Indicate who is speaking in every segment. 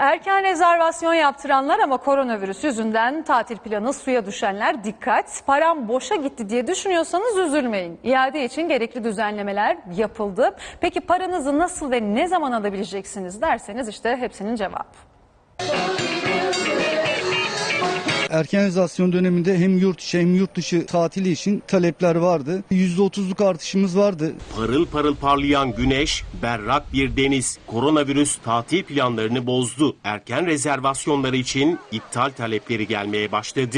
Speaker 1: Erken rezervasyon yaptıranlar ama koronavirüs yüzünden tatil planı suya düşenler dikkat. Param boşa gitti diye düşünüyorsanız üzülmeyin. İade için gerekli düzenlemeler yapıldı. Peki paranızı nasıl ve ne zaman alabileceksiniz derseniz işte hepsinin cevabı.
Speaker 2: Erkenizasyon döneminde hem yurt içi hem yurt dışı tatili için talepler vardı. %30'luk artışımız vardı.
Speaker 3: Parıl parıl parlayan güneş, berrak bir deniz. Koronavirüs tatil planlarını bozdu. Erken rezervasyonları için iptal talepleri gelmeye başladı.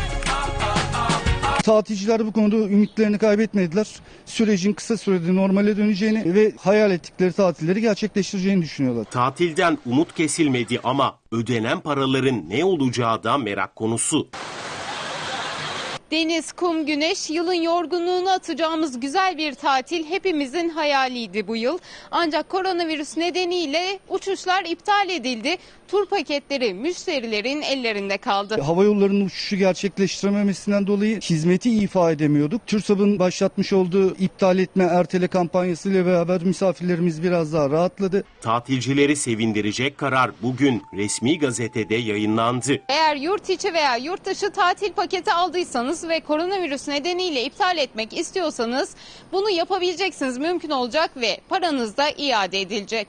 Speaker 2: Tatilciler bu konuda ümitlerini kaybetmediler. Sürecin kısa sürede normale döneceğini ve hayal ettikleri tatilleri gerçekleştireceğini düşünüyorlar.
Speaker 3: Tatilden umut kesilmedi ama ödenen paraların ne olacağı da merak konusu.
Speaker 4: Deniz, kum, güneş, yılın yorgunluğunu atacağımız güzel bir tatil hepimizin hayaliydi bu yıl. Ancak koronavirüs nedeniyle uçuşlar iptal edildi. Tur paketleri müşterilerin ellerinde kaldı.
Speaker 2: Havayollarının uçuşu gerçekleştirememesinden dolayı hizmeti ifa edemiyorduk. TÜRSAB'ın başlatmış olduğu iptal etme ertele kampanyasıyla beraber misafirlerimiz biraz daha rahatladı.
Speaker 3: Tatilcileri sevindirecek karar bugün resmi gazetede yayınlandı.
Speaker 4: Eğer yurt içi veya yurt dışı tatil paketi aldıysanız ve koronavirüs nedeniyle iptal etmek istiyorsanız bunu yapabileceksiniz, mümkün olacak ve paranız da iade edilecek.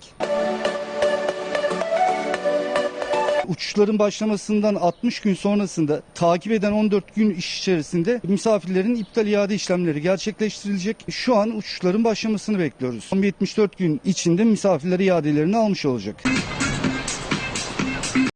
Speaker 2: Uçuşların başlamasından 60 gün sonrasında takip eden 14 gün iş içerisinde misafirlerin iptal iade işlemleri gerçekleştirilecek. Şu an uçuşların başlamasını bekliyoruz. 74 gün içinde misafirler iadelerini almış olacak.